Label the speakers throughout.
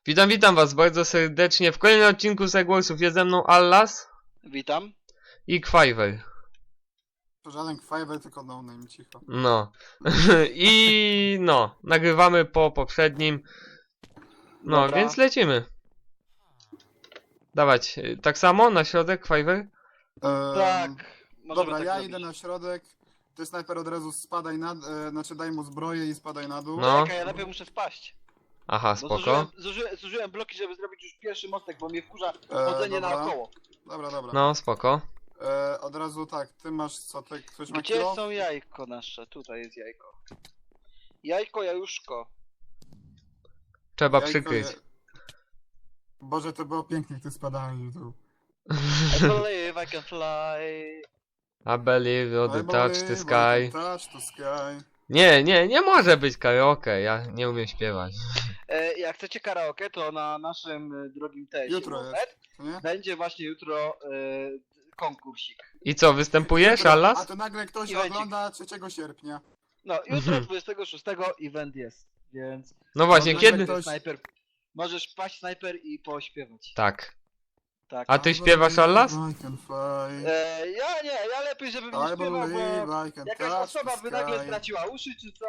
Speaker 1: Witam was bardzo serdecznie w kolejnym odcinku Segwarsów. Jest ze mną Allas
Speaker 2: Witam.
Speaker 1: i Kwajwer.
Speaker 3: To żaden Fiverr, tylko no name, cicho.
Speaker 1: No. I no, nagrywamy po poprzednim. No,
Speaker 2: Dobra.
Speaker 1: więc lecimy. Dawać, tak samo na środek, Kwajwer?
Speaker 2: Tak. Możemy
Speaker 3: Dobra,
Speaker 2: tak
Speaker 3: ja
Speaker 2: zrobić.
Speaker 3: idę na środek. Ty snajper od razu spadaj na... znaczy daj mu zbroję i spadaj na dół.
Speaker 1: No.
Speaker 2: Czekaj, ja najpierw muszę spaść.
Speaker 1: Aha,
Speaker 2: Bo
Speaker 1: spoko.
Speaker 2: zużyłem bloki, żeby zrobić już pierwszy mostek, bo mnie wkurza
Speaker 3: E,
Speaker 2: chodzenie
Speaker 3: dobra.
Speaker 2: naokoło.
Speaker 3: Dobra.
Speaker 1: No, spoko.
Speaker 3: Od razu tak, ty masz co, ty, ktoś ma
Speaker 2: Gdzie
Speaker 3: kilo?
Speaker 2: są jajko nasze? Tutaj jest jajko. Jajko, jajuszko.
Speaker 1: Trzeba
Speaker 3: Jajko
Speaker 1: przykryć.
Speaker 3: Boże, to było pięknie, jak ty spadałeś w dół.
Speaker 2: I believe I can fly.
Speaker 1: I believe you the touch the sky.
Speaker 3: Touch the sky.
Speaker 1: Nie może być karaoke, ja nie umiem śpiewać.
Speaker 2: Jak chcecie karaoke, to na naszym drogim teście
Speaker 3: Jutro jest, co nie?
Speaker 2: będzie właśnie jutro konkursik.
Speaker 1: I co, występujesz,
Speaker 3: A
Speaker 1: Allas?
Speaker 3: to nagle ktoś
Speaker 2: Evencik.
Speaker 3: ogląda 3 sierpnia.
Speaker 2: No, jutro 26 event jest, więc...
Speaker 1: No właśnie,
Speaker 3: No,
Speaker 1: kiedy?
Speaker 3: ktoś-
Speaker 2: Snajper. Możesz paść snajper i pośpiewać.
Speaker 1: Tak.
Speaker 2: Tak.
Speaker 1: A ty śpiewasz, Allas?
Speaker 3: I can fly.
Speaker 2: Ja nie, ja lepiej, żebym nie
Speaker 3: I
Speaker 2: śpiewał, bo
Speaker 3: believe I can
Speaker 2: jakaś
Speaker 3: touch
Speaker 2: osoba
Speaker 3: the
Speaker 2: by nagle
Speaker 3: sky.
Speaker 2: straciła uszy, czy co?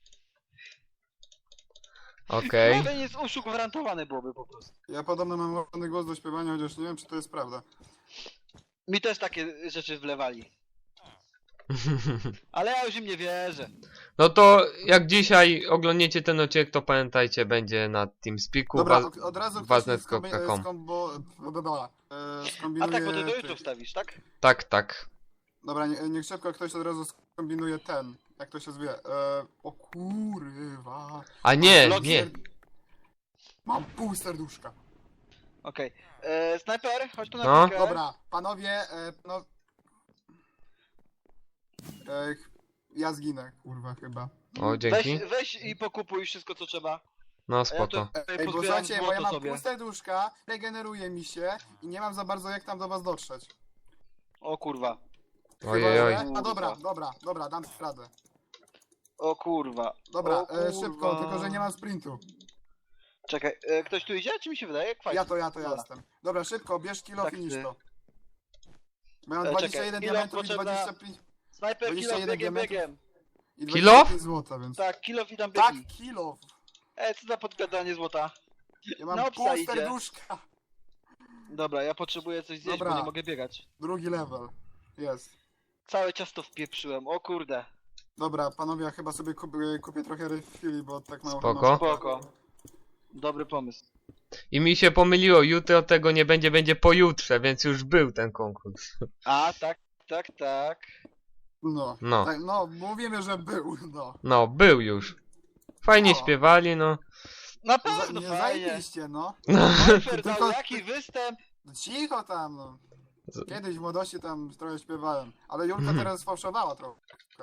Speaker 1: Okej.
Speaker 2: No, jest uszu gwarantowany byłoby po prostu.
Speaker 3: Ja podobno mam ładny głos do śpiewania, chociaż nie wiem, czy to jest prawda.
Speaker 2: Mi też takie rzeczy wlewali. Ale ja już im nie wierzę.
Speaker 1: No to jak dzisiaj oglądniecie ten odcinek, to pamiętajcie, będzie na TeamSpeaku.
Speaker 3: Dobra, od razu ktoś
Speaker 1: waznet.com.
Speaker 2: A tak, bo ty do
Speaker 3: ty-
Speaker 2: YouTube wstawisz, tak?
Speaker 1: Tak.
Speaker 3: Dobra, niech szybko ktoś od razu skombinuje ten. Jak to się zwie? O kurwa.
Speaker 1: A nie,
Speaker 2: Bloki-
Speaker 1: nie.
Speaker 3: Mam pół serduszka.
Speaker 2: Okej. Snajper, chodź tu na
Speaker 1: No.
Speaker 2: chwilkę.
Speaker 3: Dobra, panowie, ja zginę, kurwa, chyba.
Speaker 1: O, dzięki.
Speaker 2: Weź i pokupuj wszystko, co trzeba.
Speaker 1: No
Speaker 2: A ja
Speaker 1: spoko.
Speaker 2: tu
Speaker 3: Ej, bo
Speaker 2: pozbieram
Speaker 3: słuchajcie, bo ja
Speaker 2: złoto
Speaker 3: mam
Speaker 2: sobie.
Speaker 3: pół serduszka, regeneruje mi się i nie mam za bardzo jak tam do was dotrzeć.
Speaker 2: O kurwa.
Speaker 1: Ojej.
Speaker 3: Chyba, że- A dobra, dam radę.
Speaker 2: O kurwa.
Speaker 3: Dobra,
Speaker 2: O kurwa.
Speaker 3: szybko, tylko że nie mam sprintu.
Speaker 2: Czekaj, ktoś tu idzie? Czy mi się wydaje? Kwajs.
Speaker 3: Ja to
Speaker 2: Dobra.
Speaker 3: jestem. Dobra, szybko, bierz kilo
Speaker 2: Tak,
Speaker 3: i niż
Speaker 2: ty.
Speaker 3: to. Bo ja mam
Speaker 2: Czekaj,
Speaker 3: 21
Speaker 2: kilo
Speaker 3: diamentów i
Speaker 2: potrzebna-
Speaker 3: 25,
Speaker 2: Snajper, kilo
Speaker 3: 21
Speaker 2: biegiem,
Speaker 3: diamentów.
Speaker 2: biegiem.
Speaker 3: i
Speaker 1: Kilo?
Speaker 3: 25 złota, więc...
Speaker 2: Tak, kilo i tam
Speaker 3: Tak,
Speaker 2: biegi.
Speaker 3: kilo!
Speaker 2: Co za podgadanie złota?
Speaker 3: Ja mam
Speaker 2: Na
Speaker 3: pół
Speaker 2: psa idzie.
Speaker 3: serduszka!
Speaker 2: Dobra, ja potrzebuję coś zjeść,
Speaker 3: Dobra.
Speaker 2: bo nie mogę biegać.
Speaker 3: Drugi level. Jest.
Speaker 2: Całe ciasto wpieprzyłem, o kurde.
Speaker 3: Dobra, panowie, ja chyba sobie kupię trochę refili, bo tak mało...
Speaker 1: Spoko.
Speaker 3: mam-
Speaker 2: Spoko. Dobry pomysł.
Speaker 1: I mi się pomyliło, jutro tego nie będzie, będzie pojutrze, więc już był ten konkurs.
Speaker 2: A, tak.
Speaker 3: No.
Speaker 1: No.
Speaker 3: Tak, no, mówimy, że był, no.
Speaker 1: No, był już. Fajnie
Speaker 3: O.
Speaker 1: śpiewali, no.
Speaker 2: Na pewno
Speaker 3: Nie
Speaker 2: fajnie.
Speaker 3: zajebiście, no.
Speaker 2: Snajper dał
Speaker 3: Tylko-
Speaker 2: jaki występ.
Speaker 3: Cicho tam, no. Kiedyś w młodości tam trochę śpiewałem, ale Julka teraz sfałszowała trochę.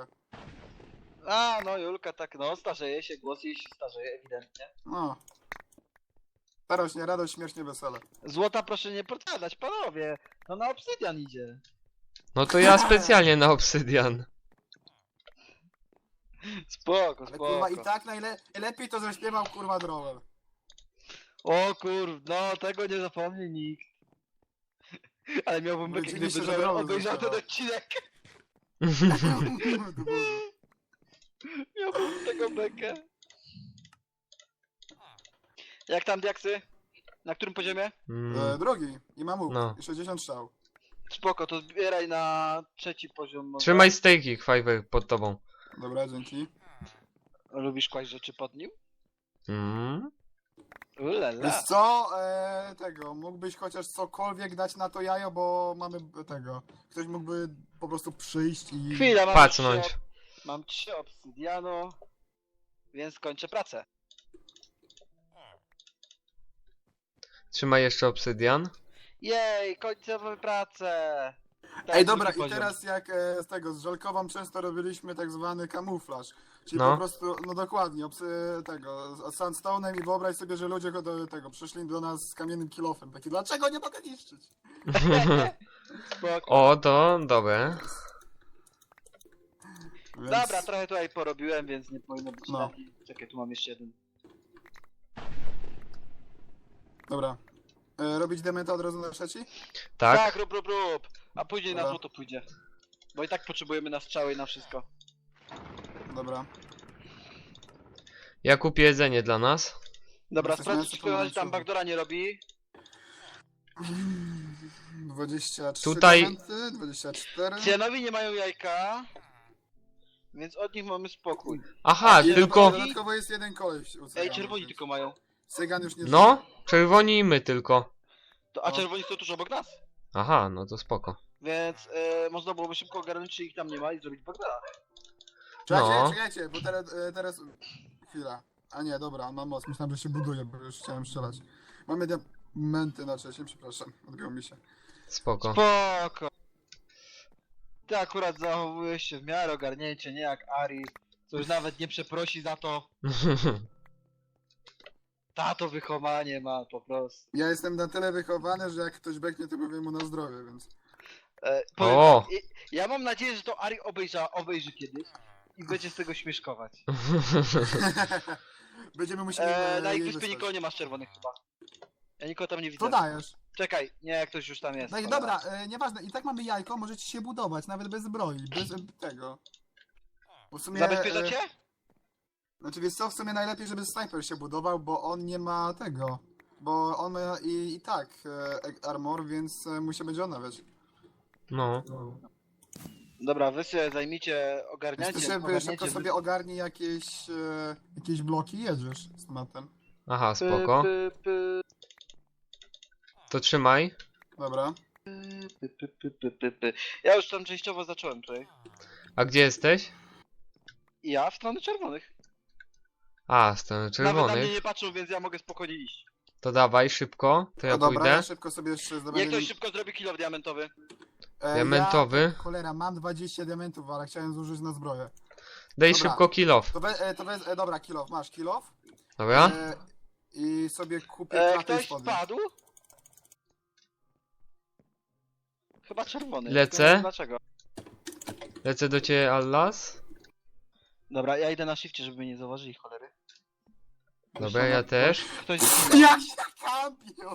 Speaker 2: A, no Julka tak, no starzeje się, głos jej się starzeje ewidentnie.
Speaker 3: No. Starość, radość, śmiesznie, wesele.
Speaker 2: Złota proszę nie podkładać, panowie. No na obsydian idzie.
Speaker 1: No to ja specjalnie na obsydian.
Speaker 2: Spoko,
Speaker 3: Ale kurwa i
Speaker 2: spoko.
Speaker 3: tak najlepiej to zaśpiewał kurwa Drowel.
Speaker 2: O no tego nie zapomni nikt. Ale miałbym bekę,
Speaker 3: Oczywiście,
Speaker 2: gdyby
Speaker 3: że
Speaker 2: Joel
Speaker 3: Joel
Speaker 2: obejrzał ten
Speaker 3: zaśpiewał.
Speaker 2: odcinek. Miałbym z tego bekę. Jak tam diaksy? Na którym poziomie?
Speaker 3: Drugi i mam łuk.
Speaker 1: No.
Speaker 3: I 60 strzał.
Speaker 2: Spoko, to zbieraj na trzeci poziom. może.
Speaker 1: Trzymaj stejki, Kwajwer, pod tobą.
Speaker 3: Dobra, dzięki.
Speaker 2: Lubisz kłaść rzeczy pod nim?
Speaker 1: Mm.
Speaker 2: Ulala.
Speaker 3: Wiesz co? Tego, mógłbyś chociaż cokolwiek dać na to jajo, bo mamy tego. Ktoś mógłby po prostu przyjść i...
Speaker 2: Chwila, mam
Speaker 1: Pacnąć.
Speaker 2: Mam 3 obsydianu, więc kończę pracę.
Speaker 1: Trzymaj jeszcze obsydian.
Speaker 2: Jej, kończę pracę. Tak,
Speaker 3: Ej, dobra,
Speaker 2: drugi
Speaker 3: i
Speaker 2: poziom.
Speaker 3: teraz jak z tego, z Żelkową często robiliśmy tak zwany kamuflaż. Czyli
Speaker 1: No.
Speaker 3: po prostu, no dokładnie, tego, z sandstone'em i wyobraź sobie, że ludzie do tego przyszli do nas z kamiennym kilofem. Taki, dlaczego nie mogę niszczyć?
Speaker 2: Spoko.
Speaker 1: O, to dobre.
Speaker 3: Więc...
Speaker 2: Dobra, trochę tutaj porobiłem, więc nie powinno być
Speaker 3: No.
Speaker 2: taki. Czekaj, tu mam jeszcze jeden.
Speaker 3: Dobra. Robić dementa od razu na trzeci?
Speaker 1: Tak?
Speaker 2: rób. A później na
Speaker 3: Dobra.
Speaker 2: złoto pójdzie. Bo i tak potrzebujemy na strzały i na wszystko.
Speaker 3: Dobra.
Speaker 1: Ja kupię jedzenie dla nas.
Speaker 2: Dobra,
Speaker 3: Jesteś
Speaker 2: sprawdź,
Speaker 3: mięso
Speaker 2: czy ktoś tam
Speaker 3: pomarańczowe.
Speaker 2: backdoora nie robi.
Speaker 3: 23
Speaker 1: Tutaj-
Speaker 3: diamenty, 24.
Speaker 2: Cianowi nie mają jajka. Więc od nich mamy spokój.
Speaker 1: Aha,
Speaker 3: I
Speaker 1: tylko...
Speaker 3: dodatkowo jest jeden koleś u
Speaker 2: Ej,
Speaker 3: Cyganów,
Speaker 2: czerwoni
Speaker 3: więc
Speaker 2: tylko mają.
Speaker 3: Cygan już nie
Speaker 1: No, czerwoni i my tylko.
Speaker 2: A
Speaker 3: No.
Speaker 2: czerwoni są tuż obok nas.
Speaker 1: Aha, no to spoko.
Speaker 2: Więc można byłoby szybko ogarnąć, czy ich tam nie ma i zrobić backdoora.
Speaker 3: Czekajcie,
Speaker 1: No.
Speaker 3: czekajcie, bo teraz... Chwila. A nie, dobra, on ma moc. Myślałem, że się buduje, bo już chciałem strzelać. Mamy diamenty na trzecim, przepraszam. Odbiło mi się.
Speaker 1: Spoko.
Speaker 2: Spoko. Ty akurat zachowujesz się w miarę ogarnięcie, nie jak Ari, co już nawet nie przeprosi za to. Tato wychowanie ma po prostu.
Speaker 3: Ja jestem na tyle wychowany, że jak ktoś beknie, to powiem mu na zdrowie, więc...
Speaker 2: Powiem
Speaker 1: O!
Speaker 2: tak, ja mam nadzieję, że to Ari obejrzy kiedyś i będzie z tego śmieszkować.
Speaker 3: Będziemy musieli
Speaker 2: Na ich
Speaker 3: jej
Speaker 2: wyspie
Speaker 3: wysłać.
Speaker 2: nikogo nie ma z czerwonych chyba. Ja nikogo tam nie widzę.
Speaker 3: To dajesz.
Speaker 2: Czekaj, nie, ktoś już tam jest.
Speaker 3: No i
Speaker 2: cholera.
Speaker 3: dobra, nieważne, i tak mamy jajko, możecie się budować, nawet bez zbroi, bez tego. Bo w sumie...
Speaker 2: Zabezpieczacie?
Speaker 3: Znaczy wiesz co, w sumie najlepiej, żeby snajper się budował, bo on nie ma tego. Bo on ma i tak armor, więc mu się będzie odnawiać.
Speaker 1: No.
Speaker 2: Dobra, wy sobie zajmijcie ogarniacie.
Speaker 3: Ty szybko
Speaker 2: ogarniacie
Speaker 3: sobie ogarnij jakieś bloki i jedziesz z tematem.
Speaker 1: Aha, spoko. To trzymaj.
Speaker 3: Dobra.
Speaker 2: Ja już tam częściowo zacząłem tutaj.
Speaker 1: A gdzie jesteś?
Speaker 2: I ja w stronę czerwonych.
Speaker 1: A, strony
Speaker 2: Nawet na mnie
Speaker 1: czerwonych.
Speaker 2: nie patrzą, więc ja mogę spokojnie iść.
Speaker 1: To dawaj szybko, to ja
Speaker 3: No dobra, ja
Speaker 1: pójdę.
Speaker 3: szybko sobie jeszcze
Speaker 2: Niech
Speaker 3: zdobędę...
Speaker 2: ktoś szybko zrobi kill diamentowy.
Speaker 1: Diamentowy.
Speaker 3: Cholera, mam 20 diamentów, ale chciałem zużyć na zbroję.
Speaker 1: Daj
Speaker 3: Dobra.
Speaker 1: szybko kill off.
Speaker 3: Dobra, kill off, masz kill off.
Speaker 1: Dobra?
Speaker 3: I sobie kupię klatę
Speaker 2: Ktoś
Speaker 3: spodnie.
Speaker 2: spadł? Chyba czerwony.
Speaker 1: Lecę.
Speaker 2: tylko nie wiem Dlaczego?
Speaker 1: Lecę do ciebie, Allas.
Speaker 2: Dobra, ja idę na shifcie, żeby mnie nie zauważyli, cholery.
Speaker 1: Dobra, ja też.
Speaker 2: Ktoś
Speaker 3: Jak się kampią!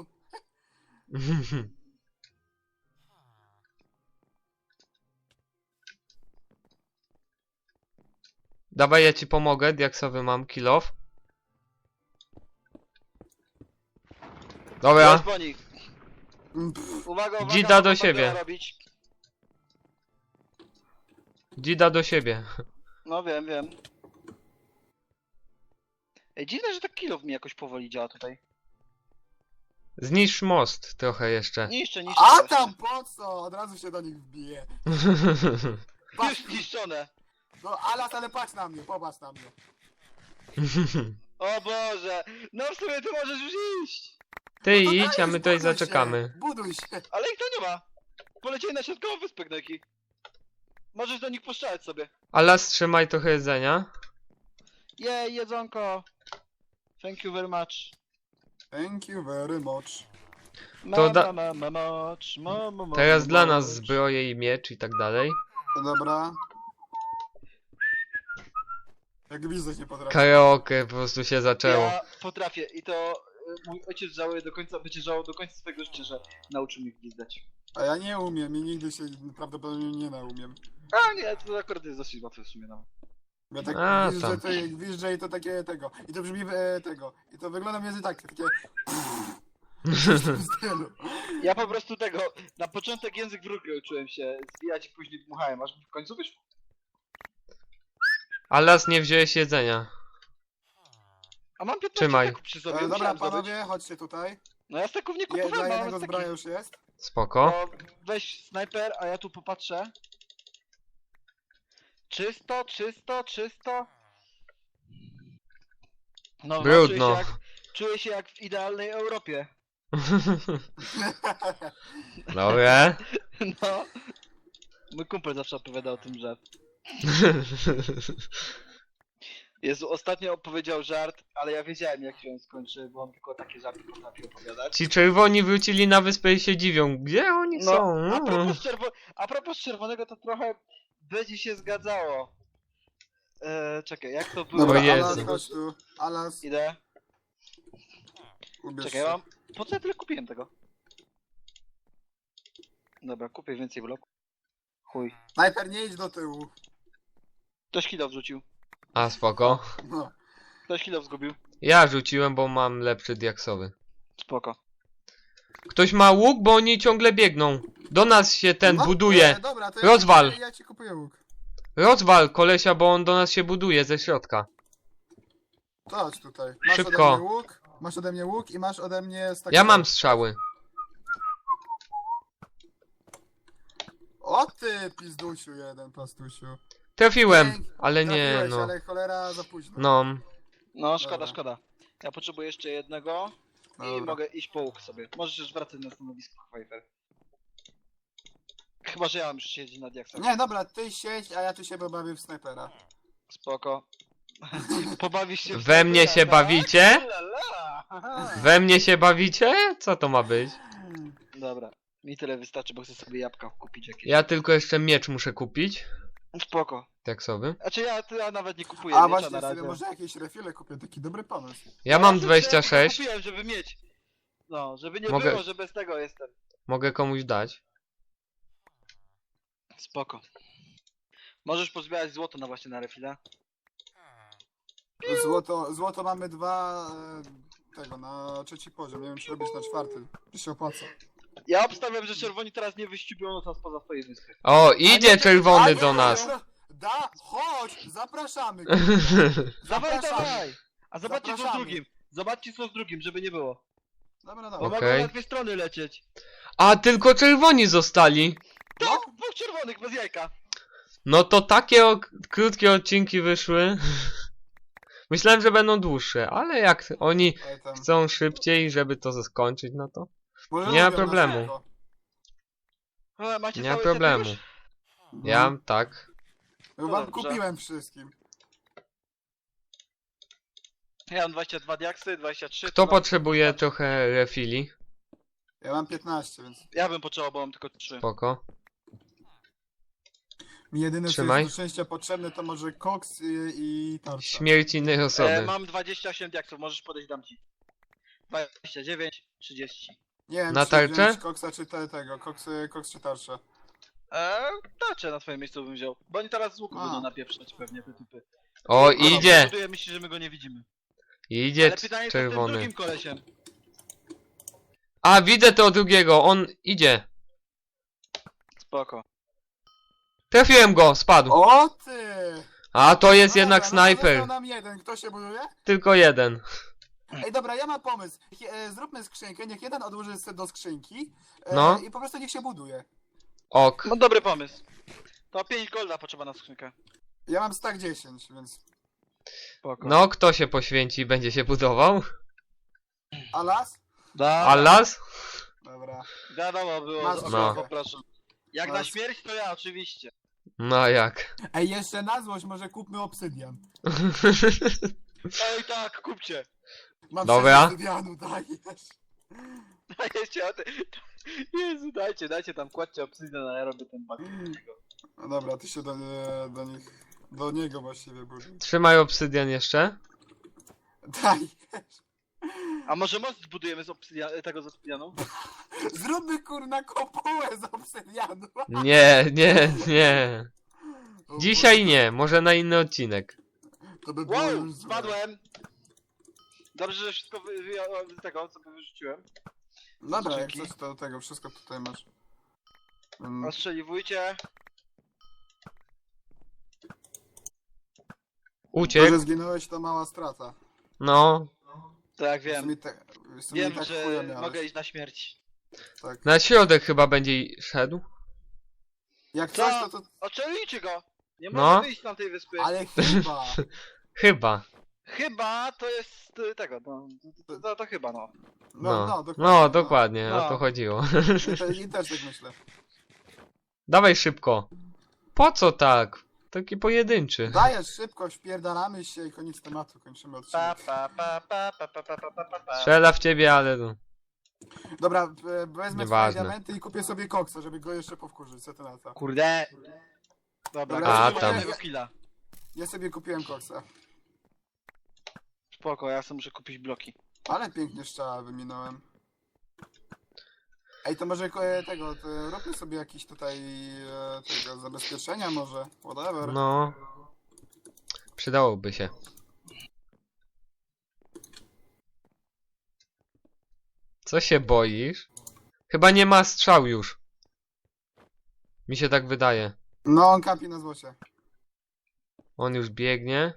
Speaker 1: Dawaj, ja ci pomogę, diaksowy mam kill off. Dobra,
Speaker 2: Jest po nich. Uwaga, uwaga.
Speaker 1: Dzida do
Speaker 2: mogą
Speaker 1: siebie.
Speaker 2: backdoora robić.
Speaker 1: dzida do siebie.
Speaker 2: No wiem. Ej, dziwne, że tak kill mi jakoś powoli działa tutaj.
Speaker 1: Zniszcz most trochę jeszcze.
Speaker 2: Niszczę.
Speaker 3: A tam po co? Od razu się do nich wbije.
Speaker 2: Już zniszczone.
Speaker 3: No Alas, ale patrz na mnie, popatrz na mnie.
Speaker 2: O Boże. No w sumie ty możesz już iść.
Speaker 1: Ty
Speaker 3: No to
Speaker 1: idź, a
Speaker 3: dajesz,
Speaker 1: my tutaj
Speaker 3: buduj
Speaker 1: zaczekamy.
Speaker 3: Się, buduj się.
Speaker 2: Ale ich to nie ma. Polecieli na środkową wyspę, Gnojki. Możesz do nich postrzelać sobie.
Speaker 1: Allas, trzymaj trochę jedzenia.
Speaker 2: Jej, jedzonko. Thank you very much.
Speaker 3: Thank you very much.
Speaker 1: To da- Teraz dla nas
Speaker 2: zbyt.
Speaker 1: zbroje i miecz i tak dalej.
Speaker 3: To dobra. Jak widzę, nie potrafię.
Speaker 1: Karaoke po prostu się zaczęło.
Speaker 2: Ja potrafię i to mój ojciec żałuje do końca, będzie żałował do końca swojego życia, że nauczył mnie gwizdać.
Speaker 3: A ja nie umiem i nigdy się prawdopodobnie nie naumiem.
Speaker 2: A nie, to akurat jest dosyć łatwe w sumie nawet.
Speaker 3: Ja tak
Speaker 1: A,
Speaker 3: gwiżdżę,
Speaker 1: tam.
Speaker 3: gwiżdżę i to takie tego. I to brzmi tego. I to wygląda mniej więcej tak, takie... w tym stylu.
Speaker 2: Ja po prostu tego, na początek język wróg uczyłem się zwijać i później dmuchałem, aż w końcu wyszło.
Speaker 1: Allas, nie wziąłeś jedzenia.
Speaker 2: A mam 15
Speaker 1: Trzymaj.
Speaker 2: steków przy sobie,
Speaker 3: Dobra,
Speaker 2: musiałem zdobyć.
Speaker 3: panowie, chodźcie tutaj.
Speaker 2: No ja steków nie
Speaker 3: Dla
Speaker 2: kupowałem, mam
Speaker 3: jednego
Speaker 2: steki.
Speaker 3: zbroja już jest.
Speaker 1: Spoko.
Speaker 2: No, weź snajper, a ja tu popatrzę. Czysto. No,
Speaker 1: Brudno.
Speaker 2: Czuję się jak w idealnej Europie.
Speaker 1: Dobra.
Speaker 2: No. Mój kumpel zawsze opowiadał o tym, że... Jezu, ostatnio opowiedział żart, ale ja wiedziałem jak się on skończy, bo on tylko takie żarty potrafi opowiadać.
Speaker 1: Ci czerwoni wrócili na wyspę i się dziwią. Gdzie oni
Speaker 2: No,
Speaker 1: są?
Speaker 2: a propos czerwonego, to trochę będzie się zgadzało. Czekaj, jak to było?
Speaker 3: Dobra,
Speaker 1: O Jezu.
Speaker 3: Alas, chodź tu. Alas,
Speaker 2: Idę.
Speaker 3: ubierz
Speaker 2: Czekaj,
Speaker 3: się.
Speaker 2: Po co ja tyle kupiłem tego? Dobra, kupię więcej bloków. Chuj.
Speaker 3: Snajper, nie idź do tyłu.
Speaker 2: Ktoś kilo wrzucił.
Speaker 1: A spoko.
Speaker 3: No.
Speaker 2: Ktoś kilo zgubił.
Speaker 1: Ja rzuciłem, bo mam lepszy diaksowy.
Speaker 2: Spoko.
Speaker 1: Ktoś ma łuk, bo oni ciągle biegną. Do nas się ten
Speaker 3: No,
Speaker 1: buduje.
Speaker 3: dobra, to
Speaker 1: Rozwal.
Speaker 3: Ja ci kupuję łuk.
Speaker 1: Rozwal kolesia, bo on do nas się buduje ze środka.
Speaker 3: To chodź tutaj. Masz
Speaker 1: Szybko.
Speaker 3: ode mnie łuk, masz ode mnie łuk i masz ode mnie stak.
Speaker 1: Ja mam strzały.
Speaker 3: O ty, pizdusiu jeden, pastusiu.
Speaker 1: Trafiłem, ale nie,
Speaker 3: Trafiłeś,
Speaker 1: no.
Speaker 3: ale cholera za późno.
Speaker 1: No.
Speaker 2: No, szkoda,
Speaker 3: Dobra.
Speaker 2: szkoda. Ja potrzebuję jeszcze jednego i
Speaker 3: Dobra.
Speaker 2: mogę iść po łuk sobie. Możesz już wracać na stanowisko, Pfeiffer. Chyba, że ja mam już siedzieć na diaksach.
Speaker 3: Nie, dobra, ty siedź, a ja tu się pobawię w snajpera.
Speaker 2: Spoko. Pobawisz się w
Speaker 1: We mnie
Speaker 2: snajpera,
Speaker 1: się
Speaker 2: tak?
Speaker 1: bawicie?
Speaker 2: Ulala. Aha.
Speaker 1: We mnie się bawicie? Co to ma być?
Speaker 2: Dobra. Mi tyle wystarczy, bo chcę sobie jabłka kupić jakieś.
Speaker 1: Ja tylko jeszcze miecz muszę kupić.
Speaker 2: Spoko.
Speaker 1: Diaksowy.
Speaker 2: Znaczy ja nawet nie kupuję
Speaker 3: A
Speaker 2: miecza
Speaker 3: właśnie,
Speaker 2: na
Speaker 3: sobie
Speaker 2: razie.
Speaker 3: może jakieś refile kupię, taki dobry pomysł.
Speaker 1: Ja mam
Speaker 2: sobie
Speaker 1: 26.
Speaker 2: Kupiłem, żeby mieć. No, żeby nie
Speaker 1: Mogę-
Speaker 2: było, że bez tego jestem.
Speaker 1: Mogę komuś dać.
Speaker 2: Spoko. Możesz pozbierać złoto na właśnie na refile.
Speaker 3: Złoto mamy dwa, tego, na trzeci poziom. Nie wiem, czy robisz na czwarty. To się opłaca.
Speaker 2: Ja obstawiam, że czerwoni teraz nie wyścibią nas poza swojej wyspy.
Speaker 1: O, idzie
Speaker 3: A
Speaker 1: czerwony
Speaker 3: nie,
Speaker 1: do nas.
Speaker 3: Chodź, zapraszamy.
Speaker 2: Dawaj,
Speaker 3: Zapraszamy.
Speaker 2: dawaj! A zobaczcie co z
Speaker 3: Zapraszamy.
Speaker 2: drugim. Zobaczcie co z drugim, żeby nie było.
Speaker 3: Dobra,
Speaker 2: Bo
Speaker 3: dobra.
Speaker 1: Okej.
Speaker 2: mogą na dwie strony lecieć.
Speaker 1: A, tylko czerwoni zostali.
Speaker 3: No,
Speaker 2: Tak, dwóch czerwonych bez jajka.
Speaker 1: No to takie krótkie odcinki wyszły. Myślałem, że będą dłuższe, ale jak oni
Speaker 3: ej, tam.
Speaker 1: chcą szybciej, żeby to skończyć, no to
Speaker 3: Może
Speaker 1: nie ma
Speaker 3: lubią nas
Speaker 1: problemu.
Speaker 3: tylko.
Speaker 2: Ale macie
Speaker 1: nie ma
Speaker 2: cały
Speaker 1: problemu.
Speaker 2: set już?
Speaker 1: Ja tak.
Speaker 3: No,
Speaker 2: No
Speaker 3: wam
Speaker 2: dobrze.
Speaker 3: kupiłem wszystkim.
Speaker 2: Ja mam 22 diaksy, 23.
Speaker 1: Kto
Speaker 2: to mam-
Speaker 1: potrzebuje trochę refili?
Speaker 3: Ja mam 15, więc
Speaker 2: Ja bym potrzebował, bo mam tylko 3.
Speaker 1: Spoko.
Speaker 3: mi jedyne co
Speaker 1: Trzymaj.
Speaker 3: jest do szczęścia potrzebne to może koks i tarcza.
Speaker 1: Śmierć innej osoby.
Speaker 2: Mam 28 diaksów, możesz podejść, dam ci. 29, 30.
Speaker 3: Nie wiem,
Speaker 1: Na
Speaker 3: czy
Speaker 1: tarczę?
Speaker 3: wziąć koksa czy tego, koks czy tarczę.
Speaker 2: Tarczę na twoim miejscu bym wziął. Bo oni teraz z łuku
Speaker 3: A.
Speaker 2: będą napieprzać pewnie te typy.
Speaker 1: O, idzie!
Speaker 2: Buduje, myśli, że my go nie widzimy.
Speaker 1: Idzie
Speaker 2: Ale pytanie co z tym
Speaker 1: czerwony.
Speaker 2: drugim kolesiem.
Speaker 1: A, widzę tego drugiego, on idzie.
Speaker 2: Spoko.
Speaker 1: Trafiłem go, spadł.
Speaker 3: O ty!
Speaker 1: A, to jest
Speaker 3: No
Speaker 1: jednak
Speaker 3: dobra, no to
Speaker 1: snajper.
Speaker 3: został nam jeden, kto się buduje?
Speaker 1: Tylko jeden.
Speaker 3: Ej, dobra, ja mam pomysł. Zróbmy skrzynkę, niech jeden odłoży sobie do skrzynki
Speaker 1: No.
Speaker 3: i po prostu niech się buduje.
Speaker 1: Ok.
Speaker 2: No dobry pomysł. To 5 golda potrzeba na skrzynkę.
Speaker 3: Ja mam stack 10, więc...
Speaker 2: Spoko.
Speaker 1: No, kto się poświęci i będzie się budował?
Speaker 3: A las?
Speaker 1: A las?
Speaker 3: Dobra.
Speaker 2: Wiadomo było,
Speaker 3: Masz
Speaker 2: o
Speaker 1: no.
Speaker 2: poproszę. Jak na
Speaker 3: Masz.
Speaker 2: śmierć to ja oczywiście.
Speaker 1: No jak?
Speaker 3: Ej, jeszcze na złość może kupmy obsydian.
Speaker 2: Ej tak, kupcie.
Speaker 3: Mam
Speaker 1: Dobra.
Speaker 3: 6 obsydianu, dajesz.
Speaker 2: Dajcie o ty. Jezu, dajcie tam, kładźcie obsydian, a ja robię ten bug.
Speaker 3: No dobra, ty się do nich... Do niego właściwie buduj.
Speaker 1: Trzymaj obsydian jeszcze.
Speaker 3: Daj.
Speaker 2: A może most zbudujemy z tego z obsydianu?
Speaker 3: Zróbmy kurna kopułę z obsydianu.
Speaker 1: Nie, nie, nie.
Speaker 3: O
Speaker 1: Dzisiaj
Speaker 3: Boże,
Speaker 1: nie, może na inny odcinek.
Speaker 3: To by było
Speaker 2: Wow,
Speaker 3: już złe.
Speaker 2: spadłem! Dobrze, że wszystko wyjąłem z tego, co wyrzuciłem.
Speaker 3: Dobra, jak
Speaker 2: Dzięki.
Speaker 3: coś to tego, wszystko tutaj masz. Mm,
Speaker 2: Ostrzeliwujcie.
Speaker 3: To,
Speaker 1: Uciekł.
Speaker 3: że zginąłeś to mała strata.
Speaker 1: No.
Speaker 2: Tak,
Speaker 3: W
Speaker 2: wiem.
Speaker 3: sumie w sumie
Speaker 2: Wiem,
Speaker 3: tak
Speaker 2: że
Speaker 3: chuja miałeś.
Speaker 2: mogę iść na śmierć.
Speaker 3: Tak.
Speaker 1: Na środek chyba będzie szedł.
Speaker 3: Jak
Speaker 2: Co?
Speaker 3: coś to...
Speaker 2: Oczerujcie go! Nie
Speaker 1: No.
Speaker 2: mogę wyjść z tamtej wyspy.
Speaker 3: Ale chyba.
Speaker 1: Chyba.
Speaker 2: Chyba to jest tego, no. To chyba, no.
Speaker 3: No, dokładnie.
Speaker 1: No, dokładnie, o
Speaker 2: No.
Speaker 1: to chodziło.
Speaker 3: I też tak myślę.
Speaker 1: Dawaj szybko. Po co tak? Taki pojedynczy.
Speaker 3: Dajesz szybko, wpierdalamy się i koniec tematu, kończymy
Speaker 2: Pa,
Speaker 3: odcinek.
Speaker 2: pa, pa, pa, pa, pa, pa, pa, pa, pa.
Speaker 1: Strzela w ciebie, ale no.
Speaker 3: Dobra, wezmę swoje
Speaker 1: Nieważne.
Speaker 3: diamenty i kupię sobie koksa, żeby go jeszcze powkurzyć, co ty na to?
Speaker 2: Kurde. Dobra,
Speaker 3: Dobra,
Speaker 1: A,
Speaker 2: mam
Speaker 1: tam.
Speaker 2: jednego killa.
Speaker 3: Ja sobie kupiłem koksa.
Speaker 2: Spoko, ja sobie muszę kupić bloki.
Speaker 3: Ale pięknie strzała wyminąłem. Ej, to może tego, to róbmy sobie jakieś tutaj tego zabezpieczenia może, whatever.
Speaker 1: No. Przydałoby się. Co się boisz? Chyba nie ma strzał już. Mi się tak wydaje.
Speaker 3: No, on kampi na złocie.
Speaker 1: On już biegnie.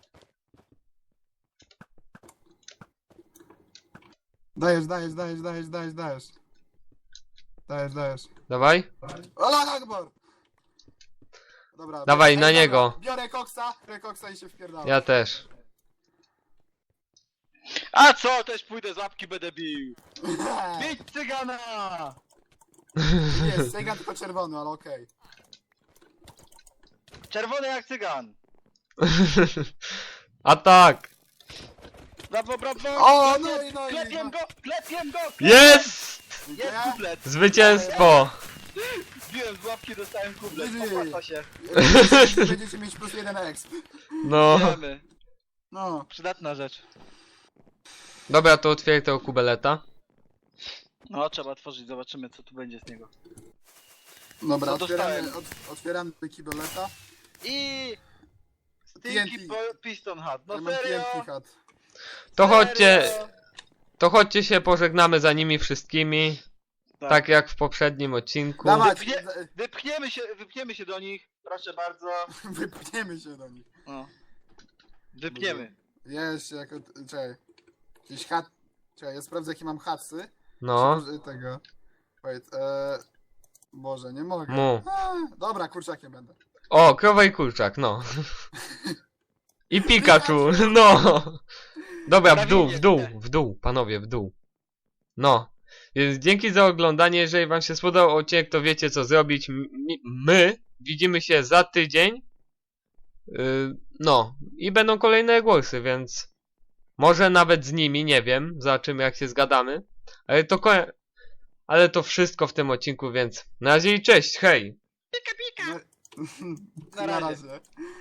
Speaker 3: Dajesz, dajesz, dajesz, dajesz, dajesz, dajesz. Dajesz, dajesz.
Speaker 1: Dawaj.
Speaker 3: Allahu Akbar! Dobra.
Speaker 1: Dawaj,
Speaker 3: ej,
Speaker 1: na
Speaker 3: dobra,
Speaker 1: niego.
Speaker 3: Biorę koksa i się wpierdalam.
Speaker 1: Ja też.
Speaker 2: A co? Też pójdę z łapki, będę bił. Bić cygana!
Speaker 3: Jest, Sega tylko czerwony, ale okej.
Speaker 2: Czerwony jak cygan.
Speaker 1: A tak.
Speaker 2: Brawo, brawo!
Speaker 3: O, no i no i...
Speaker 2: Klepiem go! Klepiem go!
Speaker 1: Jest!
Speaker 2: Jest kuplet!
Speaker 1: Zwycięstwo!
Speaker 2: Biłem z łapki, dostałem kuplet.
Speaker 3: GG.
Speaker 2: Opłaca się.
Speaker 3: Będziecie mieć plus 1 exp.
Speaker 1: No.
Speaker 2: Wiemy.
Speaker 3: No.
Speaker 2: Przydatna rzecz.
Speaker 1: Dobra, to otwieraj tego kubeleta.
Speaker 2: No, trzeba otworzyć, zobaczymy co tu będzie z niego.
Speaker 3: Dobra,
Speaker 2: Co
Speaker 3: otwieramy,
Speaker 2: dostałem?
Speaker 3: otwieramy kibeleta.
Speaker 2: I...
Speaker 3: TNT.
Speaker 2: Stinky Piston Hat.
Speaker 3: Ja
Speaker 2: No
Speaker 3: mam
Speaker 2: serio?
Speaker 3: TNT hat.
Speaker 1: To chodźcie,
Speaker 2: Serio?
Speaker 1: to chodźcie się pożegnamy za nimi wszystkimi. Tak jak w poprzednim odcinku.
Speaker 3: Dawać,
Speaker 2: Wypchniemy się do nich. Proszę bardzo.
Speaker 3: wypchniemy się do nich.
Speaker 2: No. Wypchniemy.
Speaker 3: Jest, jako... Czekaj. Jakiś hat... Czekaj, ja sprawdzę jakie mam hatsy.
Speaker 1: No.
Speaker 3: Czy może tego... Wait, Boże, nie mogę.
Speaker 1: Mu.
Speaker 3: Dobra, kurczakiem będę.
Speaker 1: O, krowa i kurczak, no. I Pikachu, no. Dobra, w dół, panowie, w dół. No. Więc dzięki za oglądanie, jeżeli wam się spodobał odcinek, to wiecie co zrobić. My widzimy się za tydzień. No. I będą kolejne głosy, więc może nawet z nimi, nie wiem. Zobaczymy jak się zgadamy. Ale to wszystko w tym odcinku, więc na razie i cześć, hej!
Speaker 2: Pika, pika!
Speaker 3: Na
Speaker 2: Na razie.
Speaker 3: razie.